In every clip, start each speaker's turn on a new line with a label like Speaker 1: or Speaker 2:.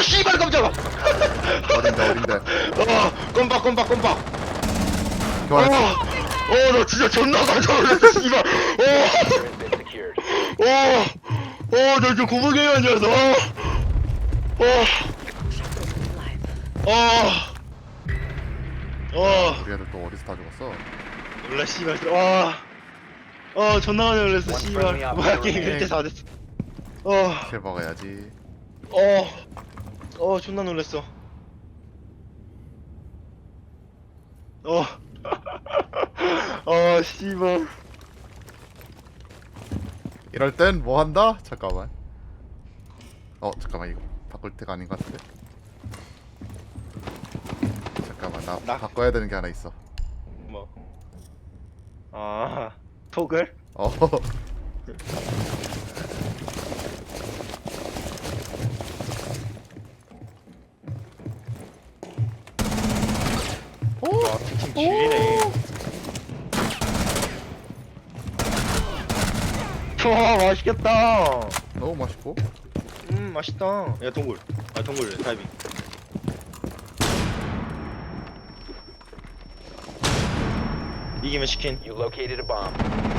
Speaker 1: 씨발 깜짝아.
Speaker 2: 어딘데
Speaker 1: 꼼박.
Speaker 2: 교환했어.
Speaker 1: 나 진짜 존나 깜짝 놀랐어 씨발. 나 진짜 고무경이 앉아서.
Speaker 2: 우리 애들 또 어디서 다 죽었어?
Speaker 1: 몰라 씨발. 존나 깜짝 놀랐어 씨발. 뭐야 게임 1대 4 됐어.
Speaker 2: 킬 먹어야지.
Speaker 1: 존나 놀랐어. 씨발.
Speaker 2: 이럴 땐 뭐 한다? 잠깐만. 잠깐만 이거 바꿀 때가 아닌 것 같은데. 잠깐만 나 바꿔야 되는 게 하나 있어.
Speaker 1: 뭐? 토글? 팀 죽이네. 와 맛있겠다.
Speaker 2: 너무 맛있고.
Speaker 1: 맛있다. 야 동굴. 동굴 다이빙. 이기면 치킨.
Speaker 3: You located a bomb.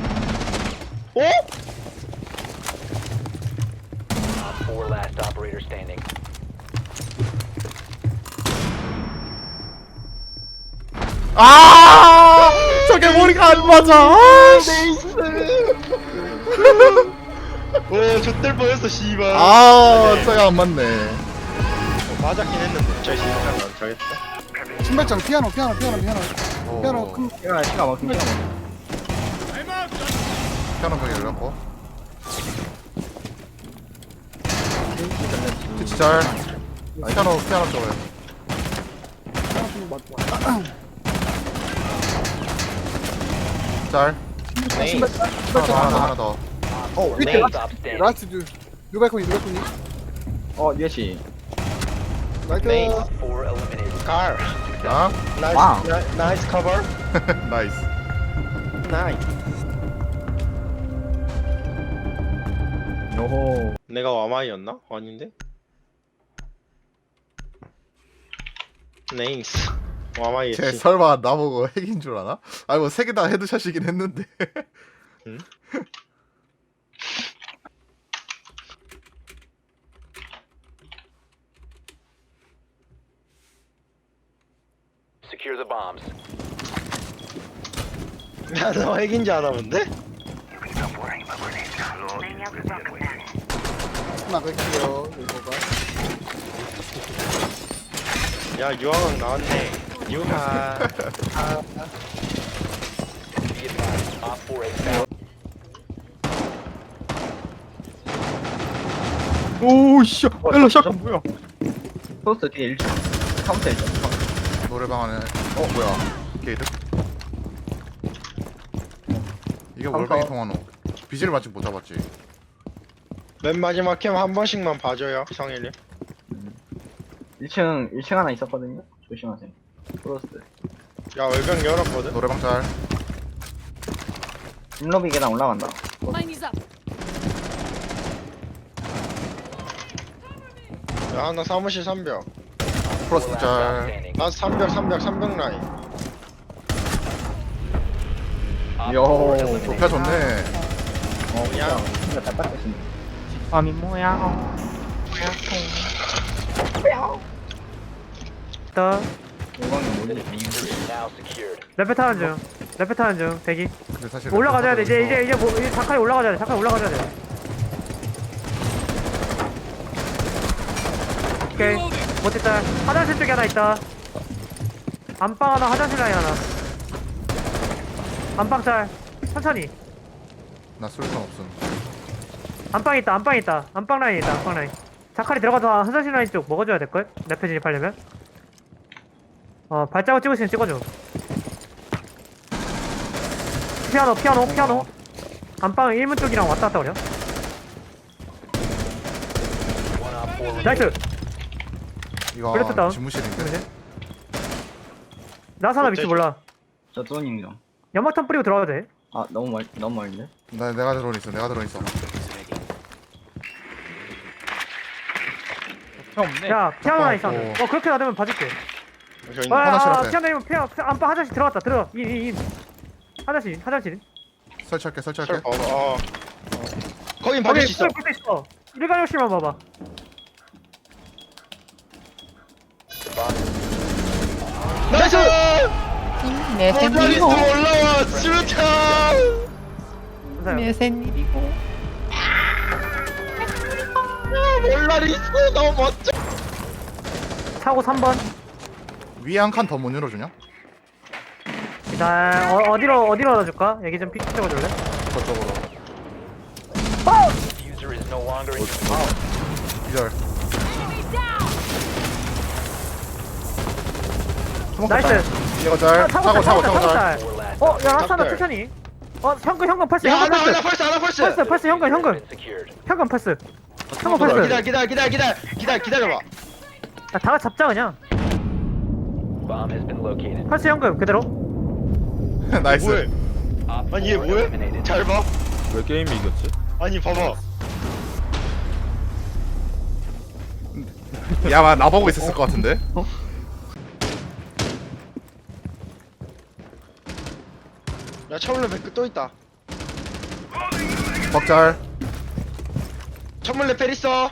Speaker 3: Op 4 last operator standing.
Speaker 2: 저게 머리가 안 맞아.
Speaker 1: 네이스. 좆될 뻔했어 씨발.
Speaker 2: 저게 안 맞네.
Speaker 1: 맞았긴 했는데. 저 씨발 안 잘했다.
Speaker 4: 신발장 피아노 피아노 큰
Speaker 5: 시간 막힌
Speaker 2: 피아노 벽에 열렸고. 그치 잘. 피아노 쪽에. 잘. 하나 더.
Speaker 4: 밑에
Speaker 3: Lane stop standing.
Speaker 4: 라스트 누가 했니
Speaker 5: 예시.
Speaker 4: 라이트
Speaker 1: 네.
Speaker 3: Op 4 eliminated.
Speaker 1: 갈.
Speaker 2: 아?
Speaker 5: 와우.
Speaker 1: 나이스 커버.
Speaker 2: 나이스.
Speaker 1: 나이스.
Speaker 5: 요호.
Speaker 1: 내가 와마이였나? 아닌데? 네이스. 와마이
Speaker 2: 쟤
Speaker 1: 했지.
Speaker 2: 설마 나보고 핵인 줄 아나? 아니 뭐 세 개 다 헤드샷이긴 했는데.
Speaker 1: 응?
Speaker 3: Secure the bombs.
Speaker 1: 야, 너 핵인지 아나 본데?
Speaker 4: 나갈게요 이거가
Speaker 1: 야, 유황왕 나왔네. 유하.
Speaker 3: Be advised. Op 4 has found.
Speaker 5: 오씨. 일로 샷. 뭐야? 포스트 뒤에 1층. 카운터 1층.
Speaker 2: 노래방 안에 뭐야 게이드? 이게 월방이 통하노. 비질 아직 못 잡았지.
Speaker 1: 맨 마지막 캠 한 번씩만 봐줘요, 성일이.
Speaker 5: 1층 하나 있었거든요. 조심하세요. 프로스트.
Speaker 1: 야, 외벽 열었거든?
Speaker 2: 노래방 짤.
Speaker 5: 인로비 계단 올라간다.
Speaker 6: Mine is up.
Speaker 1: 야, 하나 사무실 3벽.
Speaker 2: 플러스
Speaker 3: Last stop
Speaker 2: 짤.
Speaker 3: standing.
Speaker 1: 나 3벽 라인.
Speaker 3: Op
Speaker 5: Yo.
Speaker 3: 4 eliminated.
Speaker 2: 좁혀 좋네.
Speaker 1: 그냥.
Speaker 5: 진짜 다 닦겠습니다.
Speaker 7: 아미 뭐야? 더
Speaker 5: 요광이
Speaker 3: The
Speaker 5: 뭐지?
Speaker 3: diffuser is now secured.
Speaker 7: 레페 타는 중 대기
Speaker 2: 근데 사실
Speaker 7: 올라가줘야 돼 이제 뭐 이제 자칼이 올라가줘야 돼 오케이 못했다 화장실 쪽에 하나 있다 안방 하나 화장실 라인 하나 안방 짤 천천히
Speaker 2: 나 술탄 없음.
Speaker 7: 안방 있다 안방 라인 있다 안방 라인 자칼이 들어가서 화장실 라인 쪽 먹어줘야 될걸? 레페 진입하려면 발자국 찍으시면 찍어줘 피아노 안방 1문 쪽이랑 왔다 갔다 그려
Speaker 3: One Op 4 remaining.
Speaker 7: 나이스
Speaker 2: 이거
Speaker 7: 블레트 다운.
Speaker 2: 지무실인데.
Speaker 7: 나사나 위치 몰라
Speaker 5: 저 드로닝이랑.
Speaker 7: 연막탄 뿌리고 들어가도 돼
Speaker 5: 아 너무 멀는데?
Speaker 2: 내가 들어온 있어.
Speaker 5: 형 없네.
Speaker 7: 야 피아노 라인
Speaker 2: 깜빡하고.
Speaker 7: 사운드. 그렇게 놔두면 봐줄게.
Speaker 1: 저 있는
Speaker 2: 화장실 앞에.
Speaker 7: 피아노 라인 안방 화장실 들어갔다. 들어. 이 화장실.
Speaker 2: 설치할게
Speaker 1: 설
Speaker 2: 설치할게.
Speaker 1: 봐봐. 거긴 봐줄 수 있어.
Speaker 7: 볼수 있어. 일간 욕실만 봐봐.
Speaker 1: 나이스.
Speaker 6: 내
Speaker 1: 모자리스트
Speaker 6: 샌일이고
Speaker 1: 올라와 수류탄.
Speaker 7: 감사해요.
Speaker 6: 내 샌일이고
Speaker 1: 몰라리스트 너무 멋져.
Speaker 7: 차고 3번.
Speaker 2: 위에 한 칸 더 못 열어주냐?
Speaker 7: 일단 어디로 넣어줄까? 얘기 좀 픽 찍어줄래?
Speaker 2: 저쪽으로.
Speaker 3: Diffuser is no longer in your
Speaker 2: 기절.
Speaker 7: 나이스.
Speaker 2: 이거 잘. 차고 잘.
Speaker 7: 짤.
Speaker 3: four last.
Speaker 7: 야 라스트 하나
Speaker 1: 짤.
Speaker 7: 천천히. 현금 펄스.
Speaker 1: 야
Speaker 7: 현금
Speaker 1: 하나
Speaker 7: 펄스.
Speaker 1: 하나 펄스.
Speaker 7: 펄스 현금.
Speaker 3: Been secured.
Speaker 7: 현금 펄스. 현금 펄스.
Speaker 1: 기다려봐.
Speaker 7: 야, 다 같이 잡자 그냥.
Speaker 3: Bomb has been located.
Speaker 7: 펄스 현금 그대로.
Speaker 2: 나이스.
Speaker 1: 뭐해?
Speaker 3: Op
Speaker 1: 아니 얘
Speaker 3: 4
Speaker 1: 뭐해?
Speaker 3: eliminated.
Speaker 1: 잘 봐.
Speaker 5: 왜 게임이 이겼지?
Speaker 1: 아니 봐봐.
Speaker 2: 야, 나보고 있었을 것 같은데.
Speaker 1: 야 천물레 백크 또 있다.
Speaker 2: 벅잘.
Speaker 1: 천물레 펠 있어.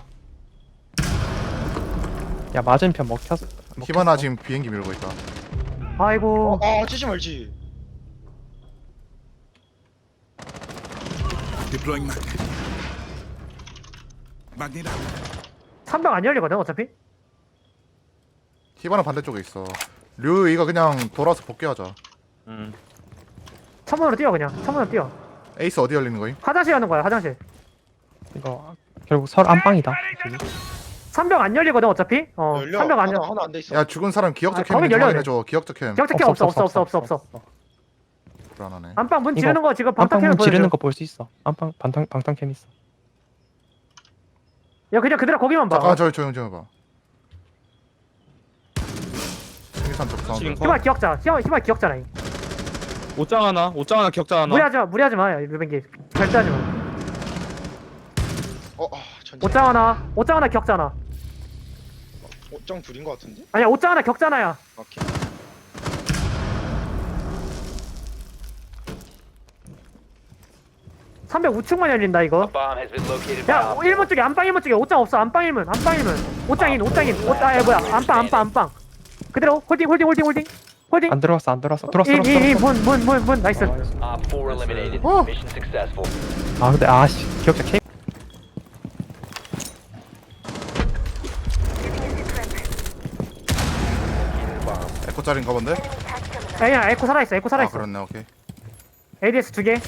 Speaker 6: 야 맞은편 먹혔어.
Speaker 2: 히바나 지금 비행기 밀고 있다.
Speaker 7: 아이고.
Speaker 1: 찌지 말지.
Speaker 8: Deploying magnet. Magnet out.
Speaker 7: 300 안 열리거든 어차피.
Speaker 2: 히바나 반대쪽에 있어. 류 이거 그냥 돌아서 복귀하자.
Speaker 7: 천문으로 뛰어 그냥. 천문으로 뛰어.
Speaker 2: 에이스 어디 열리는 거임?
Speaker 7: 화장실 가는 거야 화장실.
Speaker 6: 이거 결국 설 안방이다.
Speaker 7: 300 안 열리거든 어차피.
Speaker 1: 열려.
Speaker 7: 300 안 열려.
Speaker 1: 하나 안 돼 있어.
Speaker 2: 야 죽은 사람 기억적
Speaker 7: 아,
Speaker 2: 캠
Speaker 7: 거긴
Speaker 2: 좀
Speaker 7: 열려야
Speaker 2: 확인해줘. 기억적 캠.
Speaker 7: 기억적 캠 없어.
Speaker 2: 불안하네.
Speaker 7: 안방 문
Speaker 6: 이거
Speaker 7: 지르는 거 지금
Speaker 6: 안방
Speaker 7: 방탄캠을
Speaker 6: 문
Speaker 7: 보여줘.
Speaker 6: 지르는 거 볼 수 있어. 안방 방탄캠 있어.
Speaker 7: 야 그냥 그대로 거기만 봐.
Speaker 2: 잠깐 저 조용 좀 해봐. 생산 적 사운드.
Speaker 7: 희발 기억자. 희발 기억자라니.
Speaker 5: 옷장 하나 격장 하나.
Speaker 7: 무리하지 마. 류뱅기. 절대 하지 마.
Speaker 1: 천천히.
Speaker 7: 옷장 하나 기억자 하나.
Speaker 1: 옷장 둘인 거 같은데?
Speaker 7: 아니야 옷장 하나 격자 하나야.
Speaker 1: 오케이.
Speaker 7: 삼백 우측만 열린다 이거.
Speaker 3: Bomb has been located by
Speaker 7: 야
Speaker 3: Op
Speaker 7: 1문 쪽에 안방 1문 쪽에 옷장 없어. 안방 1문. 옷장 인. 뭐야 안방. 그대로 홀딩.
Speaker 6: 안 들어왔어. 들어왔어.
Speaker 7: 문 나이스.
Speaker 3: Op 4 eliminated.
Speaker 2: 어.
Speaker 3: Mission successful.
Speaker 6: 아 근데 아씨 기억자 캠.
Speaker 2: 에코짜리인가 본데?
Speaker 7: 야 에코 살아있어.
Speaker 2: 아 그렇네. 오케이.
Speaker 7: ADS 2개.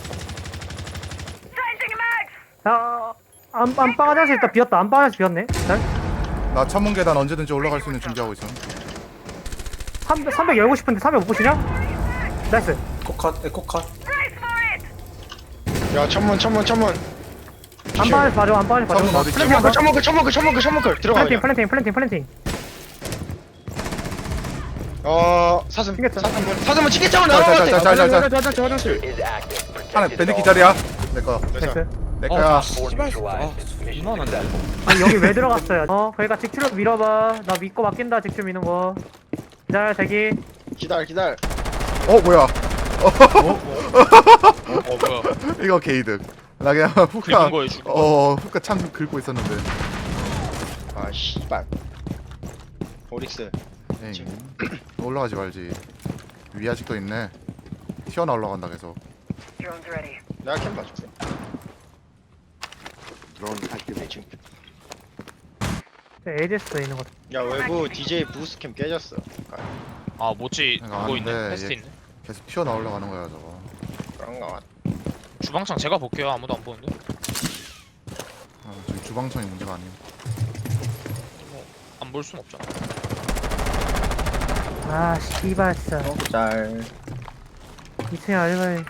Speaker 7: 야 안방 화장실 일단 비었다. 안방 화장실 비었네. 일단
Speaker 2: 나 천문 계단 언제든지 올라갈 수 있는 준비하고 있어.
Speaker 7: 300 열고 싶은데 300 못 보시냐? 나이스.
Speaker 1: 야 천문.
Speaker 7: 안방 안에서 봐줘. 안방 안에서 봐줘.
Speaker 2: 천문 어디 있지?
Speaker 1: 천문 들어가. 그냥.
Speaker 7: 플랜팅.
Speaker 1: 사슴.
Speaker 7: 튕겼죠?
Speaker 1: 사슴은 치겠잖아. 나와.
Speaker 2: 짤.
Speaker 5: 화장실.
Speaker 3: Is active.
Speaker 2: 하나
Speaker 3: Protected
Speaker 2: 밴드
Speaker 3: at all
Speaker 2: 기절이야. 내 거.
Speaker 7: 나이스.
Speaker 2: 내 거야.
Speaker 3: Op 4 neutralized. Mission successful.
Speaker 7: 아니 여기 왜 들어갔어요? 그러니까 직출로 밀어봐. 나 믿고 맡긴다. 직출 미는 거. 기다려 대기.
Speaker 1: 기다려.
Speaker 2: 뭐야?
Speaker 5: 뭐야?
Speaker 2: 이거 게이득. 나 그냥 후카.
Speaker 5: 긁은 거예요, 지금.
Speaker 2: 후카 참 긁고 있었는데.
Speaker 1: 아 씨발. 오릭스.
Speaker 2: 에이, 올라가지 말지. 위 아직도 있네. 튀어나 올라간다 계속.
Speaker 1: 내가 캠 봐줄게. 드론 액티베이션.
Speaker 7: ADS도 있는 거.
Speaker 1: 야 외부 DJ 부스 캠 깨졌어.
Speaker 9: 아 뭐지
Speaker 2: 내가
Speaker 9: 그거 있네
Speaker 2: 아는데
Speaker 9: 테스트
Speaker 2: 얘-
Speaker 9: 있네
Speaker 2: 계속 튀어나 올라가는 거야 저거.
Speaker 1: 그런가 봐.
Speaker 9: 주방창 제가 볼게요 아무도 안 보는데
Speaker 2: 저기 주방창이 문제가 아니야.
Speaker 9: 안 볼 순 없잖아
Speaker 7: 아 씨발 진짜.
Speaker 5: 짤.
Speaker 7: 2층에 알바이.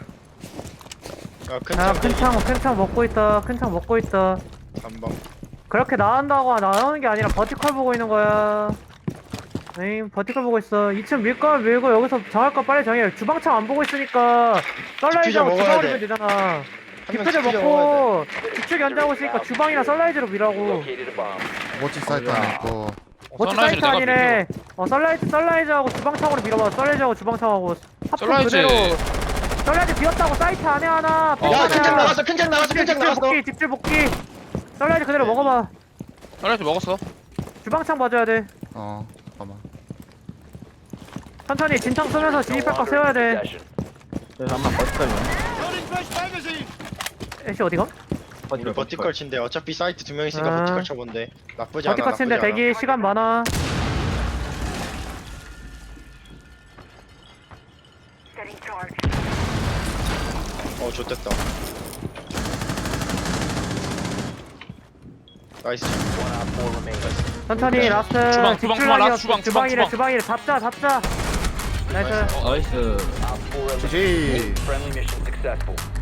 Speaker 1: 야
Speaker 7: 큰창 먹고 있다.
Speaker 1: 한방.
Speaker 7: 그렇게 나온다고 나오는 게 아니라 버티컬 보고 있는 거야. 에이 버티컬 보고 있어. 2층 밀거 밀고 여기서 정할 거 빨리 정해. 주방창 안 보고 있으니까 썰라이즈하고
Speaker 1: 먹어야
Speaker 7: 주방으로
Speaker 1: 돼.
Speaker 7: 밀면 되잖아.
Speaker 1: 명
Speaker 7: 디퓨저
Speaker 1: 디퓨저
Speaker 7: 먹고 주축 연장하고 있으니까 주방이나 썰라이즈로 밀라고.
Speaker 3: Located a bomb.
Speaker 2: 모찌 사이트 안에 있고.
Speaker 7: 모찌
Speaker 9: 선라이즈를
Speaker 7: 사이트
Speaker 9: 내가
Speaker 7: 아니래. 썰라이즈하고 주방창으로 밀어봐. 썰라이즈하고 주방창하고 합품
Speaker 9: 썰라이즈.
Speaker 7: 그대로. 썰라이즈 비었다고 사이트 안에 하나. 백
Speaker 1: 야
Speaker 7: 하나야.
Speaker 1: 큰장 나갔어 큰장 나갔어
Speaker 7: 집질
Speaker 1: 큰장 나갔어.
Speaker 7: 복귀 집질 복귀. 썰라이즈 그대로 먹어봐.
Speaker 9: 썰라이즈 먹었어.
Speaker 7: 주방창 봐줘야 돼.
Speaker 2: 잠깐만.
Speaker 7: 천천히 진창 쓰면서 진입할 거 세워야 돼.
Speaker 3: Possession.
Speaker 5: 그래서 한번 버티컬.
Speaker 7: 애쉬 어디가?
Speaker 1: 우리 버티컬 친데 어차피 사이트 2명 있으니까
Speaker 7: 아.
Speaker 1: 버티컬 쳐본데 나쁘지 않아.
Speaker 7: 버티컬 친데
Speaker 1: 나쁘지 않아.
Speaker 7: 대기 시간 많아.
Speaker 1: 좋됐다. 나이스.
Speaker 3: One op 4 remaining.
Speaker 7: 천천히 라스트.
Speaker 9: 주방,
Speaker 7: 집중
Speaker 9: 주방,
Speaker 7: 라인이었어.
Speaker 9: 라스트 주방,
Speaker 7: 주방이래
Speaker 9: 주방.
Speaker 7: 주방이래. 잡자. 나이스.
Speaker 5: 나이스.
Speaker 3: Op 4 eliminated.
Speaker 2: GG.
Speaker 3: Friendly mission successful.